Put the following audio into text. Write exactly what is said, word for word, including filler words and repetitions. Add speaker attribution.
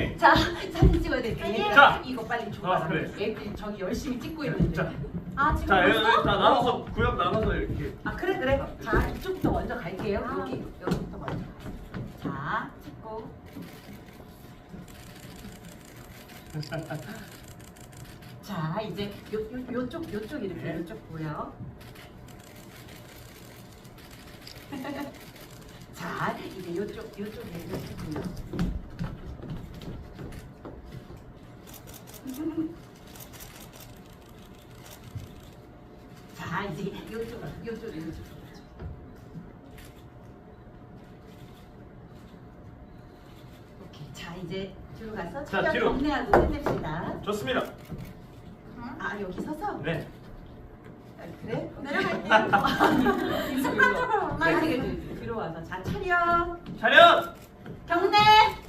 Speaker 1: 오케이.
Speaker 2: 자, 사진 찍어야 돼. 얘들아,
Speaker 1: 자.
Speaker 2: 이거 빨리 줘.
Speaker 1: 아, 그래.
Speaker 2: 얘들 저기 열심히 찍고 있는데.
Speaker 1: 자,
Speaker 2: 아, 지금
Speaker 1: 자,
Speaker 2: 벌써?
Speaker 1: 여기 다 나눠서 구역 나눠서 이렇게.
Speaker 2: 아, 그래 그래. 자, 이쪽부터 먼저 갈게요.
Speaker 3: 아.
Speaker 2: 여기 여기부터 먼저. 자, 찍고. 자, 이제 요, 요, 요쪽 요쪽 이렇게
Speaker 1: 네.
Speaker 2: 요쪽 보여. 자, 이제 요쪽 요쪽에 요쪽 보여. 자, 이제 요쪽 요쪽 요쪽. 오케이. 자, 이제 뒤로 가서
Speaker 1: 자,
Speaker 2: 촬영
Speaker 1: 뒤로.
Speaker 2: 정리하고 끝냅시다.
Speaker 1: 좋습니다.
Speaker 2: 아, 여기 서서?
Speaker 1: 네.
Speaker 2: 아, 그래?
Speaker 3: 내려갈게요. 습관적으로
Speaker 2: 네,
Speaker 3: 올라가는
Speaker 2: 뒤로 와서 자, 촬영
Speaker 1: 차렷.
Speaker 2: 경례